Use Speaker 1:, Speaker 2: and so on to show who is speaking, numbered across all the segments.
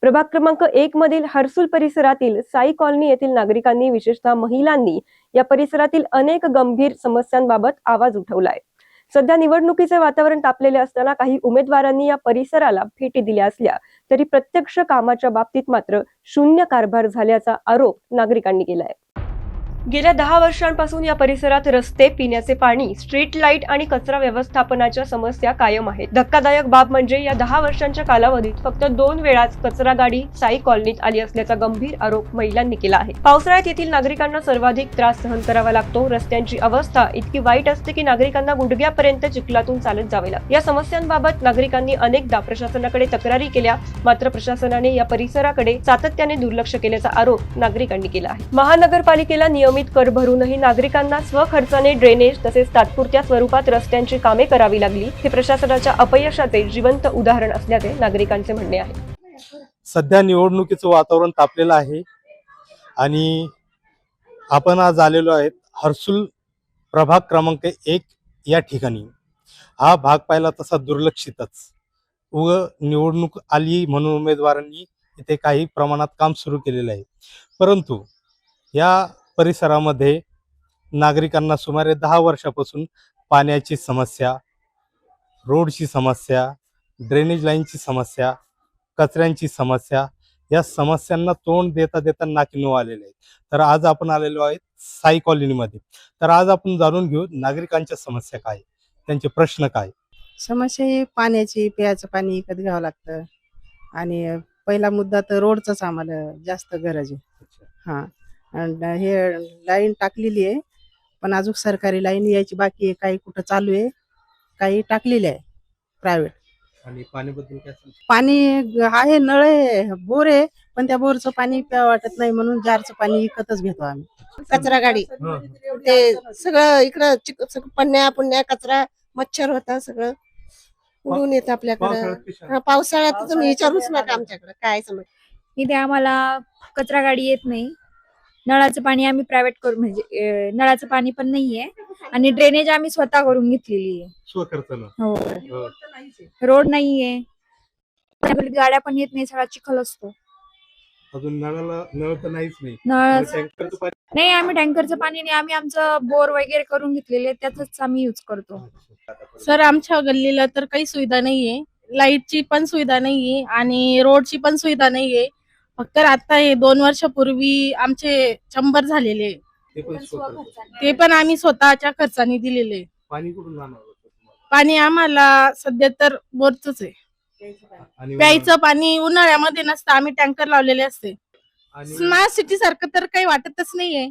Speaker 1: प्रभाग क्रमांक 1 मधील हर्सुल परिसरातील साई कॉलनी येथील नागरिकांनी, विशेषतः महिलांनी या परिसरातील अनेक गंभीर समस्यांबाबत आवाज उठवलाय। सध्या निवडणुकीचे वातावरण तापलेले असताना काही उमेदवारांनी या परिसराला भेटी दिल्या असल्या तरी प्रत्यक्ष कामाच्या बाबतीत मात्र शून्य कारभार झाल्याचा आरोप नागरिकांनी केलाय। गेल्या 10 वर्षांपासून या परिसरात रस्ते, पिण्याचे पाणी, स्ट्रीट लाईट आणि कचरा व्यवस्थापनाच्या समस्या कायम आहेत। धक्कादायक बाब म्हणजे या 10 वर्षांच्या कालावधीत फक्त 2 वेळाच कचरा गाडी साई कॉलनीत आली असल्याचा गंभीर आरोप महिलांनी केला आहे। पावसाळ्यात येथील नागरिकांना सर्वाधिक त्रास सहन करावा लागतो। रस्त्यांची अवस्था इतकी वाईट असते की नागरिकांना गुडघ्यापर्यंत चिखलातून चालत जावे लागते। या समस्यांबाबत नागरिकांनी अनेकदा प्रशासनाकडे तक्रारी केल्या, मात्र प्रशासनाने या परिसराकडे सातत्याने दुर्लक्ष केल्याचा आरोप नागरिकांनी केला आहे। महानगरपालिकेला नियमित कर भरूनही नागरिकांना स्वखर्चाने ड्रेनेज तसेच तात्पुरत्या स्वरूपात रस्त्यांची कामे करावी लागली। हे प्रशासनाच्या अपयशाचे जिवंत उदाहरण असल्याचे नागरिकांचे म्हणणे आहे।
Speaker 2: सध्या निवडणुकीचं वातावरण तापलेलं आहे आणि आपण आज आलेलो आहेत हर्सुल प्रभाग क्रमांक 1 या ठिकाणी। हा भाग पाहिला तसा दुर्लक्षितच, निवडणूक आली म्हणून उमेदवारांनी इथे काही प्रमाणात काम सुरू केलेलं आहे, परंतु या परिसरामध्ये नागरिकांना सुमारे 10 वर्षापासून पाण्याची समस्या, रोडची समस्या, ड्रेनेज लाईनची समस्या, कचऱ्यांची समस्या, या समस्यांना तोंड देता देता नाकी नऊ आलेले आहे। तर आज आपण आलेलो आहेत साई कॉलनीमध्ये। तर आज आपण जाणून घेऊ नागरिकांच्या समस्या काय, त्यांचे प्रश्न काय।
Speaker 3: समस्या ही पाण्याची, प्यायचं पाणी विकत घ्यावं लागतं आणि पहिला मुद्दा तर रोडचाच आम्हाला जास्त गरज आहे। हां, आणि हे लाईन टाकलेली आहे, पण अजून सरकारी लाईन यायची बाकी आहे। काही कुठं चालू आहे, काही टाकलेली आहे प्रायव्हेट।
Speaker 2: आणि पाणीबद्दल काय सांगता?
Speaker 3: पाणी आहे, नळ आहे, बोर आहे, पण त्या बोरचं पाणी प्यावं वाटत नाही म्हणून जारचं पाणी विकतच घेतो आम्ही।
Speaker 4: कचरा गाडी ते सगळं इकडं पन्न्या पुण्या कचरा, मच्छर होता, सगळं उडून येतं आपल्याकडं। पावसाळ्यात तुम्ही विचारूच नका आमच्याकडं काय समज।
Speaker 5: इथे आम्हाला कचरा गाडी येत नाही, नळाचं पाणी आम्ही प्रायव्हेट करून, म्हणजे नळाचं पाणी पण नाहीये, आणि ड्रेनेज आम्ही स्वतः करून घेतलेली आहे
Speaker 2: स्वखर्चानं।
Speaker 5: हो, रोड नाहीये, गाड्या पण येत नाही, सगळा चिखल असतो।
Speaker 2: अजून नळ तर नाहीच नाही,
Speaker 5: नळ
Speaker 2: टँकरचं पाणी
Speaker 5: नाही, आम्ही टँकरचं पाणी नाही, आम्ही आमचं बोर वगैरे करून घेतलेले, त्याच आम्ही यूज करतो।
Speaker 6: सर, आमच्या गल्लीला तर काही सुविधा नाहीये, लाईटची पण सुविधा नाहीये आणि रोडची पण सुविधा नाहीये। फक्त आता हे 2 वर्षापूर्वी आमचे चंबर झालेले, ते पण आम्ही स्वतःच्या खर्चाने दिलेले।
Speaker 2: पाणी कुठून आणणार होतं तुम्हाला?
Speaker 6: पाणी आम्हाला सध्या तर बोरचंच आहे। प्यायचं पाणी उन्हाळ्यामध्ये नसतं, आम्ही टँकर लावलेले असते। स्मार्ट सिटी सारखं तर काही वाटतच नाहीये।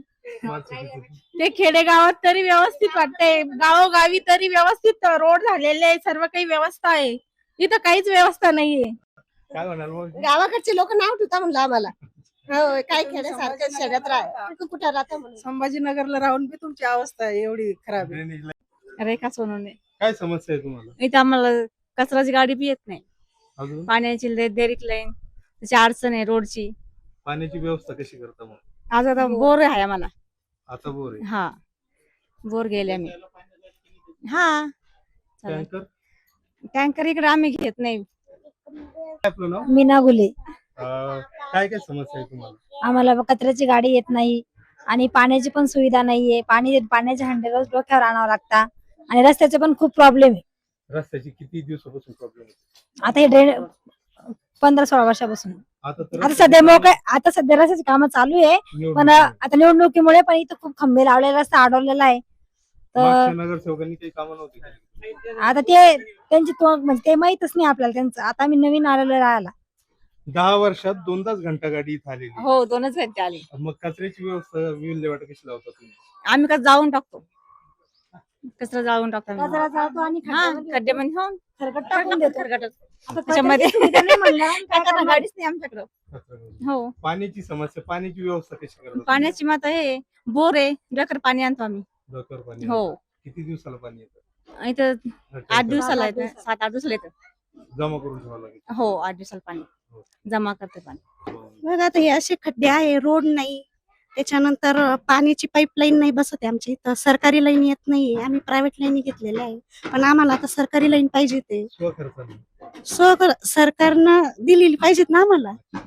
Speaker 6: ते खेडेगावात तरी व्यवस्थित वाटतंय, गावोगावी तरी व्यवस्थित रोड झालेले आहे, सर्व काही व्यवस्था आहे। इथं काहीच व्यवस्था नाहीये।
Speaker 2: काय म्हणाल मग?
Speaker 4: गावाकडचे लोक नाव ठेवता म्हणलं आम्हाला। हो, काय खेड्यासारखं शहरात कुठं राहता म्हणून।
Speaker 3: संभाजीनगरला राहून बी तुमची अवस्था एवढी खराब आहे।
Speaker 5: रेखा सोनवणे।
Speaker 2: काय समस्या आहे तुम्हाला?
Speaker 5: इथे आम्हाला कचराची गाडी बी येत नाही,
Speaker 2: अजून
Speaker 5: पाण्याची देरीक लाईन, त्याची अडचण आहे, रोडची।
Speaker 2: पाण्याची व्यवस्था कशी करता मग?
Speaker 5: आज आता बोर आहे आम्हाला।
Speaker 2: आता बोर आहे?
Speaker 5: हा, बोर गेले आम्ही। हा,
Speaker 2: टँकर
Speaker 5: टँकर इकडे आम्ही घेत नाही।
Speaker 2: आपलं नाव?
Speaker 5: मीना गुले।
Speaker 2: काय काय समस्या आहे तुम्हाला?
Speaker 5: आम्हाला कचऱ्याची गाडी येत नाही आणि पाण्याची पण सुविधा नाहीये। पाण्याचे हंडे रोज डोक्यावर आणावं लागतात आणि रस्त्याचे पण खूप प्रॉब्लेम आहे।
Speaker 2: रस्त्याची किती दिवसापासून प्रॉब्लेम आहे?
Speaker 5: आता हे 15-16 वर्षापासून।
Speaker 2: आता
Speaker 5: सध्या सध्या रस्त्याची कामं चालू आहे, पण आता निवडणुकीमुळे पण इथं खूप खंबे लावलेला, रस्ता अडवलेला आहे। तर
Speaker 2: नगरसेवकांनी काही कामं नव्हती केली?
Speaker 5: आता ते त्यांची म्हणजे ते माहितच नाही आपल्याला त्यांचं। आता आम्ही नवीन आलेलो राहायला।
Speaker 2: 10 वर्षात 2दाच घंटा गाडी इथं आलेली।
Speaker 5: हो, 2च घंटे आले।
Speaker 2: मग कचऱ्याची व्यवस्था, विल्हेवाट कशी लावता तुम्ही?
Speaker 5: आम्ही कसं जाळून टाकतो, कचरा जाळून टाकतो, कचरा जाळतो आणि खड्ड्यामध्ये होऊन खरकट टाकून देतो। त्याच्यामध्ये गाडीच नाही आमच्याकडं। हो,
Speaker 2: पाण्याची समस्या, पाण्याची व्यवस्था कशी करता?
Speaker 5: पाण्याची माता हे बोर आहे, डोकर पाणी आणतो आम्ही।
Speaker 2: डोकर पाणी?
Speaker 5: हो।
Speaker 2: किती दिवसाला पाणी येतं?
Speaker 5: इथं 8 दिवसाला येतं, 7-8 दिवसाला येतं।
Speaker 2: जमा करून ठेवावं लागेल?
Speaker 5: हो, 8 दिवसाला पाणी जमा करते पाणी।
Speaker 4: बघा आता हे असे खड्डे आहे, रोड नाही, त्याच्यानंतर पाण्याची पाईपलाईन नाही बसत आहे आमच्या इथं। सरकारी लाईन येत नाही, आम्ही प्रायव्हेट लाईन घेतलेल्या आहे, पण आम्हाला आता सरकारी लाईन पाहिजे। ते
Speaker 2: स्वखर्चाने
Speaker 4: सरकारनं दिलेली पाहिजेत ना आम्हाला।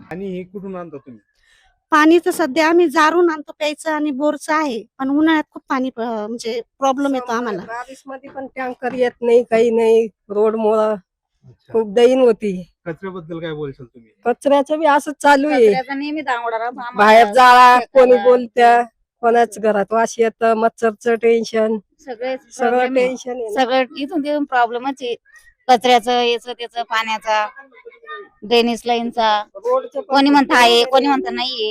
Speaker 2: आणि हे कुठून आणता तुम्ही?
Speaker 7: पाणी तर सध्या आम्ही जारून आणतो प्यायचं आणि बोरचं आहे, पण उन्हाळ्यात खूप पाणी म्हणजे प्रॉब्लेम येतो आम्हाला.
Speaker 4: 22 मध्ये पण टँकर येत नाही, काही नाही. रोड मुळे
Speaker 2: अच्छा.
Speaker 4: खूप दैन होती.
Speaker 2: कचऱ्याबद्दल काय बोलशाल तुम्ही?
Speaker 4: कचऱ्याचं बी असंच चालू आहे.
Speaker 5: कचऱ्याचा नेहमी दांगोडा राहतो आम्हाला.
Speaker 4: बाहेर जाळा, कोणी
Speaker 5: शेताला,
Speaker 4: बोलत्या, कोणाच घरात वास येतं, मच्छरचं टेन्शन,
Speaker 5: सगळे
Speaker 4: सगळं
Speaker 5: problem आहे.
Speaker 4: टेन्शन आहे.
Speaker 5: सगळं इथून तिथून प्रॉब्लेमच आहे. कचऱ्याचं, याचं त्याचं, पाण्याचा, ड्रेनेज लाईनचा.
Speaker 4: रोडचं पण
Speaker 5: कोणी म्हणतं आहे, कोणी म्हणतं नाहीये.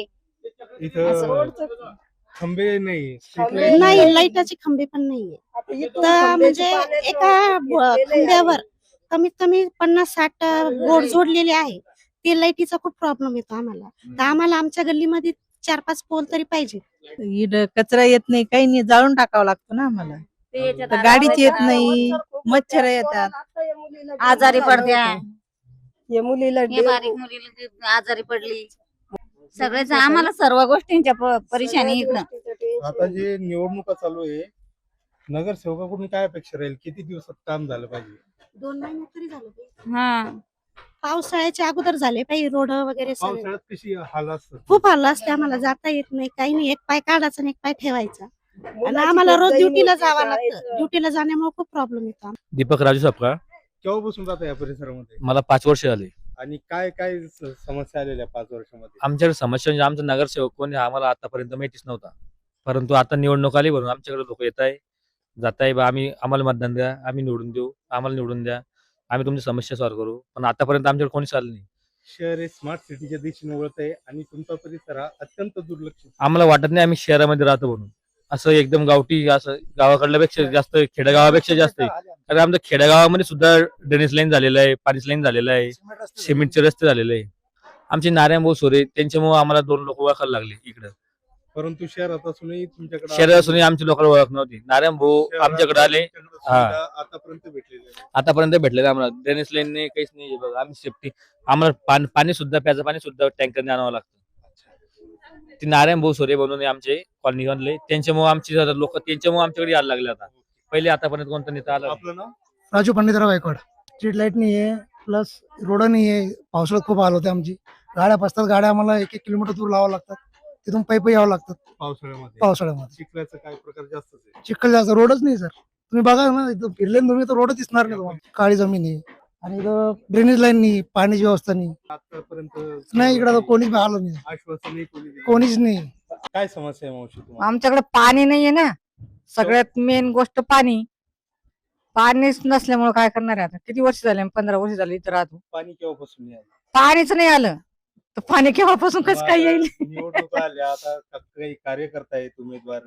Speaker 2: इथं खंबे नाही,
Speaker 7: नाही, लाईटाचे खंबे पण नाहीये.
Speaker 4: आता इथून
Speaker 7: तर
Speaker 4: खंब्याची
Speaker 7: म्हणजे
Speaker 4: पाण्याचं
Speaker 7: एका
Speaker 4: गेलेलं आहे.
Speaker 7: खंब्यावर कमीत कमी 50-60 बोर्ड जोडलेले आहे. ते लाईटीचा खूप प्रॉब्लेम येतो आम्हाला. तर आम्हाला आमच्या गल्लीमध्ये 4-5 पोल तरी पाहिजे.
Speaker 3: इकडं कचरा येत नाही, काही नाही, जाळून टाकावं लागतं ना आम्हाला.
Speaker 5: ते याच्यात
Speaker 3: तर गाडीच येत
Speaker 5: आलं,
Speaker 3: नाही,
Speaker 4: मच्छर खूप
Speaker 3: मच्छर
Speaker 4: होतात.
Speaker 3: येतात.
Speaker 4: आता या मुलीला
Speaker 5: आजारी
Speaker 4: डेंगू
Speaker 5: पडत्या.
Speaker 4: झालं होतं. या मुलीला
Speaker 5: हे
Speaker 4: डेंगू.
Speaker 5: बारीक मुलीला आजारी पडली. सगळेच आम्हाला सर्व गोष्टींच्या परेशानी इकडं.
Speaker 2: आता जे निवडणुका चालू आहे, नगरसेवकाकडून काय अपेक्षा राहील? किती दिवसात काम झालं पाहिजे?
Speaker 7: 2 महिन्यात तरी झालं पाहिजे.
Speaker 5: हा,
Speaker 7: पावसाळ्याच्या अगोदर झाले पाहिजे रोड वगैरे सगळे.
Speaker 2: पावसाळ्यात कशी हाल असतात?
Speaker 7: खूप हाल असते आम्हाला, जाता येत नाही, काही नाही. एक पाय काढायचा आणि एक पाय ठेवायचा. आणि
Speaker 4: मुलाची
Speaker 7: आम्हाला
Speaker 4: खूप
Speaker 7: रोज
Speaker 4: दैन
Speaker 7: ड्युटीला
Speaker 4: होती,
Speaker 7: जावं लागतं.
Speaker 4: शाळेचं.
Speaker 7: ड्युटीला जाण्यामुळे खूप प्रॉब्लेम येतो.
Speaker 8: दीपक राजू सपकाळ.
Speaker 2: केव्हापासून राहता या परिसरामध्ये?
Speaker 8: मला 5 वर्ष झाली.
Speaker 2: आणि काय काय समस्या आलेल्या 5 वर्षामध्ये?
Speaker 8: आमच्याकडे समस्या म्हणजे आमचा नगरसेवक कोणी आम्हाला आतापर्यंत माहितीच नव्हता. परंतु आता निवडणूक आली म्हणून आमच्याकडे लोक येत आहे, जात आहे, बा आम्हाला मतदान द्या, आम्ही निवडून देऊ, आम्हाला निवडून द्या, आम्ही तुमची समस्या सॉल्व्ह करू. पण आतापर्यंत आमच्याकडे कोणीच आलं नाही.
Speaker 2: शहर हे स्मार्ट सिटीच्या दिशेने वळत आहे आणि तुमचा परिसर हा अत्यंत दुर्लक्षित.
Speaker 8: आम्हाला वाटत नाही आम्ही शहरामध्ये राहतो म्हणून. असं एकदम गावठी, असं गावाकडल्यापेक्षा जास्त, खेडेगावापेक्षा जास्त आहे. कारण आमच्या खेडेगावामध्ये सुद्धा ड्रेनेज लाईन झालेलं आहे, पाणी लाईन झालेलं आहे, सिमेंटचे रस्ते झालेले आहे. आमचे नारायण भाऊ सोरे त्यांच्यामुळे आम्हाला 2 लोक ओळखायला लागले इकडं.
Speaker 2: परंतु शहरात असूनही तुमच्याकडे
Speaker 8: शहरात असूनही आमच्या लोकांना ओळख नव्हती. नारायण भाऊ आमच्याकडे आले,
Speaker 2: आतापर्यंत भेटलेले नाही.
Speaker 8: आतापर्यंत भेटलेलं आम्हाला. ड्रेनेज लाईन नाही, काहीच नाही. बघा आम्ही सेफ्टी, आम्हाला पाणी सुद्धा, प्यायचं पाणी सुद्धा टँकरने आणावं लागतं. ते नारायण भाऊ सोरे बनवून आमचे कॉलनी आणले, त्यांच्यामुळे आमची लोक त्यांच्यामुळे आमच्याकडे यायला लागले. आता पहिले आतापर्यंत कोणता नेता आला नाही.
Speaker 2: आपलं नाव?
Speaker 9: राजू पंडितराव गायकवाड. स्ट्रीट लाईट नाही आहे, प्लस रोड नाही आहे. पावसाळ्यात खूप हाल होते आमची. गाड्या फसतात, गाड्या आम्हाला 1-1 किलोमीटर दूर लावावं लागतात. तिथून पायी यावं लागतात पावसाळ्यामध्ये.
Speaker 2: चिखलाचा काय प्रकार जास्त आहे?
Speaker 9: चिखल जास्त, रोडच नाही सर. तुम्ही बघा ना, इथं फिरले ना तुम्ही तर रोडच दिसणार नाही तुम्हाला. काळी जमीन आहे आणि इथं ड्रेनेज लाईन नाही, पाण्याची व्यवस्था नाही.
Speaker 2: आतापर्यंत
Speaker 9: नाही, इकडं कोणीच आलं नाही,
Speaker 2: आश्वासन नाही कोणी दिलं.
Speaker 9: कोणीच नाही.
Speaker 2: काय समस्या आहे मावशी तुम्हाला?
Speaker 10: आमच्याकडे पाणी नाहीये ना, सगळ्यात मेन गोष्ट पाणी. पाणीच नसल्यामुळे काय करणार आहे आता? किती वर्ष झाले? 15 वर्ष झाली इथं राहतो.
Speaker 2: पाणी केव्हापासून नाही आलं?
Speaker 10: पाणीच नाही आलं तर पाणी केव्हापासून कसं काय येईल?
Speaker 2: निवडणूक आल्या, आता काही कार्यकर्ता आहेत उमेदवार,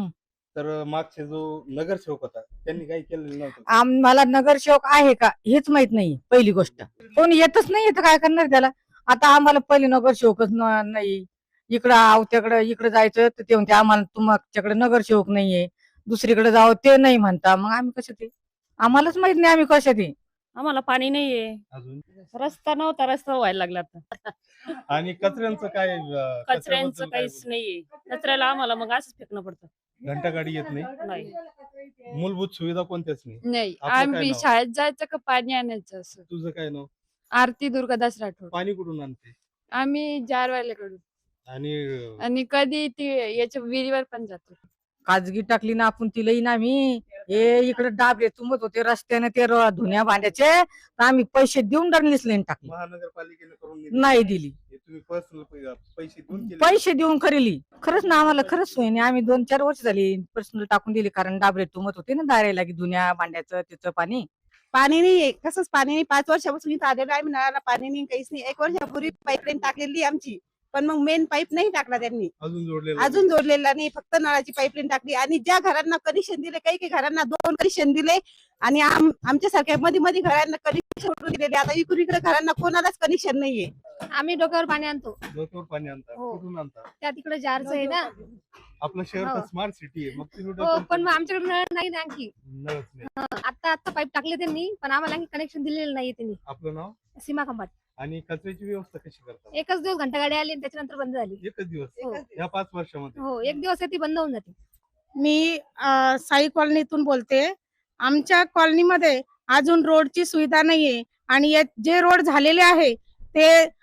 Speaker 2: तर मागचे जो नगरसेवक होता त्यांनी काही केलेलं नव्हतं.
Speaker 10: आम्हाला नगरसेवक आहे का हेच माहित नाही. पहिली गोष्ट, कोणी येतच नाही तर काय करणार त्याला? आता आम्हाला पहिले नगरसेवकच नाही. इकडं आवत्याकडं इकडे जायचं तर ते म्हणते आम्हाला तुमच्याकडे नगरसेवक नाहीये, दुसरीकडे जावं ते नाही म्हणता. मग आम्ही कशा ते? आम्हालाच माहित नाही आम्ही कशा ते.
Speaker 11: आम्हाला पाणी नाहीये,
Speaker 2: अजून
Speaker 11: रस्ता नव्हता, रस्ता व्हायला लागला आता.
Speaker 2: आणि कचऱ्यांचं काय?
Speaker 11: कचऱ्यांचं काहीच नाहीये. कचऱ्याला आम्हाला मग असंच फेकणं पडतं.
Speaker 2: घंटा गाडी येत नाही,
Speaker 11: नाही
Speaker 2: मूलभूत सुविधा कोणत्याच नाही.
Speaker 11: नाही,
Speaker 2: आपलं काय
Speaker 11: आम्ही
Speaker 2: नाव?
Speaker 11: शाळेत जायचं का पाणी आणायचं असं.
Speaker 2: तुझं काय नाव?
Speaker 11: आरती दुर्गादास राठोड.
Speaker 2: पाणी कुठून आणते?
Speaker 11: आम्ही जारवाल्याकडून
Speaker 2: आणि
Speaker 11: आणि कधी ती याच्या विहिरीवर पण जातो.
Speaker 10: खाजगी टाकली ना आपण तिलाही ना. आम्ही हे इकडे डाबे तुंबत होते रस्त्याने, ते धुण्या भांड्याचे, तर आम्ही पैसे देऊन ड्रेनेज लाईन टाकली,
Speaker 2: महानगरपालिकेने करून दिली?
Speaker 10: नाही दिली.
Speaker 2: हे तुम्ही पर्सनल पैसे देऊन केले?
Speaker 10: पैसे देऊन खरेली. खरंच ना, आम्हाला खरंच सोय नाही. आम्ही 2-4 वर्ष झाली पर्सनल टाकून दिली, कारण डाबरे तुंबत होते ना दारायला की धुण्या भांड्याचं त्याचं पाणी.
Speaker 7: पाणी नाही, कसंच पाणी नाही. 5 वर्षापासून इथं आलेलं आहे, नळाला पाणी नाही, काहीच नाही. 1 वर्षापूर्वी पाईपलाईन टाकलेली आमची, पण मग मेन पाईप नाही टाकला त्यांनी, अजून जोडलेला नाही. फक्त नळाची पाईपलाईन टाकली. आणि ज्या घरांना कनेक्शन दिले, काही काही घरांना 2 कनेक्शन दिले, आणि आमच्या सारख्या मध्ये मध्ये घरांना कनेक्शन सोडून दिलेले. आता इकडे घरांना कोणालाच कनेक्शन नाहीये.
Speaker 11: आम्ही डोक्यावर पाणी आणतो,
Speaker 2: डोक्यावर पाणी आणता?
Speaker 11: हो.
Speaker 2: कुठून आणता?
Speaker 11: त्या तिकडे जारचं आहे ना.
Speaker 2: आपलं शहर तर
Speaker 11: हो.
Speaker 2: स्मार्ट सिटी आहे, मग तुम्ही
Speaker 11: हो,
Speaker 2: डोक्यावर
Speaker 11: पण मग
Speaker 2: पाणी-
Speaker 11: आमच्याकडे नळ नाही ना आणखी.
Speaker 2: नळच नाही.
Speaker 11: आता पाईप टाकले त्यांनी, पण आम्हाला आणखी कनेक्शन दिलेलं नाही त्यांनी.
Speaker 2: आपलं नाव?
Speaker 11: सीमा खंबाट.
Speaker 2: आणि कचऱ्याची व्यवस्था कशी करता?
Speaker 11: एकच दिवस घंटा गाडी आली आणि त्याच्यानंतर बंद झाली.
Speaker 2: एकच दिवस
Speaker 11: हो.
Speaker 2: या 5 वर्षामध्ये?
Speaker 11: हो, एक दिवस ती बंद होऊन जाते.
Speaker 6: मी साई कॉलनीतून बोलते. आमच्या कॉलनीमध्ये अजून रोडची सुविधा नाहीये, आणि जे रोड झालेले आहे ते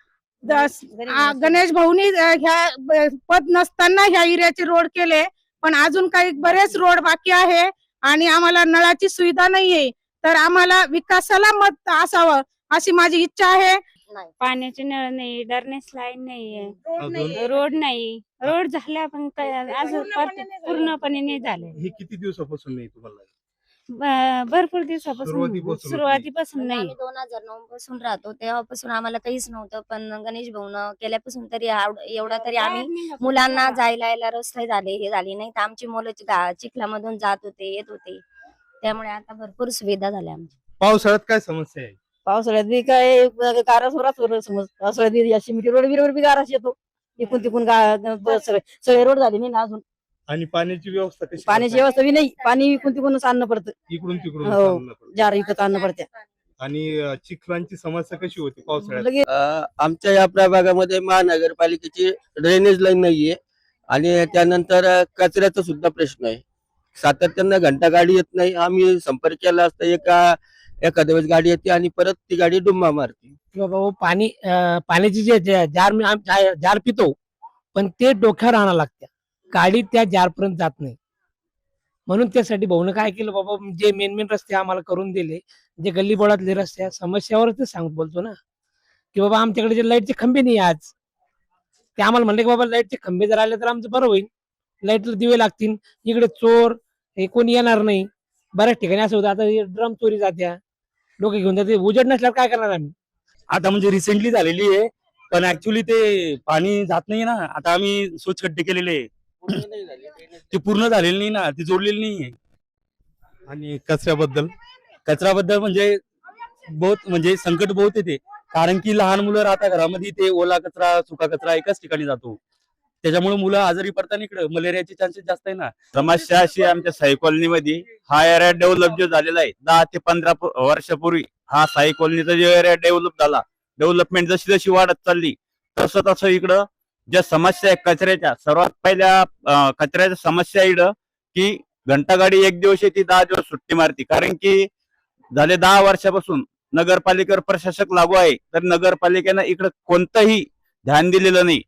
Speaker 6: गणेश भाऊनी ह्या पद नसताना ह्या एरियाचे रोड केले, पण अजून काही बरेच रोड बाकी आहे आणि आम्हाला नळाची सुविधा नाहीये. तर आम्हाला विकासाला मत असावं अशी माझी इच्छा आहे.
Speaker 5: पाण्याचे नळ नाही, डरनेस लाईन नाहीये,
Speaker 2: अजून
Speaker 5: रोड नाही. रोड झाल्या पण अजून पूर्णपणे नाही झाले.
Speaker 2: हे किती दिवसापासून नाही तुम्हाला?
Speaker 5: भरपूर दिवसापासून सुरुवातीपासून नाही.
Speaker 12: आम्ही 2009 पासून राहतो, तेव्हापासून आम्हाला काहीच नव्हतं. पण गणेश भाऊन केल्यापासून तरी एवढा तरी आम्ही मुलांना जायला यायला रस्ते झाले, हे झाले नाही तर आमची मुलं चिखलामधून जात होते, येत होते. त्यामुळे आता भरपूर सुविधा झाल्या आमच्या.
Speaker 2: पावसाळ्यात काय समस्या आहे?
Speaker 10: पावसाळ्यात बी काय गारा समज पावसाळ्यात बी अशी मिठी रोड बी गाराच येतो. इकून तिकून सगळे रोड झाले नाही ना अजून.
Speaker 2: आणि पाण्याची व्यवस्था कशी?
Speaker 10: पाण्याची व्यवस्था बी नाही. पाणी इकून तिकूनच आणणं पडतं.
Speaker 2: इकडून तिकडून
Speaker 10: हो.
Speaker 2: चालणं पडतं.
Speaker 10: जार इकत आणणं पडतं.
Speaker 2: आणि चिखलांची समस्या कशी होती पावसाळ्यात?
Speaker 13: आमच्या या प्रभागामध्ये महानगरपालिकेची ड्रेनेज लाईन नाहीये आणि त्यानंतर कचऱ्याचा सुद्धा प्रश्न आहे. सातत्यानं घंटा गाडी येत नाही. आम्ही संपर्क केला असता एखाद्या वेळेस गाडी येते आणि परत ती गाडी डुम्मा मारते.
Speaker 9: बाबा पाण्याची जे जार पितो पण ते डोक्यावर आणावं लागतं. गाडी त्या जारपर्यंत जात नाही. म्हणून त्यासाठी भाऊनं काय केलं बाबा, जे मेन रस्ते आम्हाला करून दिले, जे गल्ली बोळातले रस्ते समस्यावरच बोलतो ना की बाबा आमच्याकडे जे लाईटचे खंबे नाही आज, ते आम्हाला म्हणले की बाबा लाईटचे खंबे जर आले तर आमचं बरं होईल, लाईटला दिवे लागतील, इकडे चोर हे कोणी येणार नाही. बऱ्याच ठिकाणी असं होतं, आता ड्रम चोरी जात्या, लोक घेऊन जाते, उजेड नसल्यावर काय करणार आम्ही?
Speaker 8: आता म्हणजे रिसेंटली झालेली आहे, पण ऍक्च्युली ते पाणी जात नाही ना. आता आम्ही स्वच्छ खड्डे केलेले, ते पूर्ण झालेले नाही ना, ती जोडलेली नाहीये.
Speaker 2: आणि कचऱ्याबद्दल?
Speaker 8: कचऱ्याबद्दल म्हणजे संकट बहुत येते, कारण की लहान मुलं राहतात घरामध्ये, ते ओला कचरा सुका कचरा एकाच ठिकाणी जातो. त्याच्यामुळे मुलं आजारी पडताना इकडे मलेरियाचे चान्सेस जास्त आहे ना.
Speaker 13: समस्या अशी आमच्या साई कॉलनीमध्ये हा एरिया डेव्हलप जो झालेला आहे 10 ते 15 वर्षापूर्वी हा साई कॉलनीचा जो एरिया डेव्हलप झाला, डेव्हलपमेंट जशी जशी वाढत चालली तसं तसं इकडं ज्या समस्या आहे कचऱ्याच्या, सर्वात पहिल्या कचऱ्याच्या समस्या इकडं की घंटागाडी एक दिवस येते, 10 दिवस सुट्टी मारती. कारण की झाले 10 वर्षापासून नगरपालिकेवर प्रशासक लागू आहे, तर नगरपालिकेनं इकडं कोणतंही ध्यान दिलेलं नाही.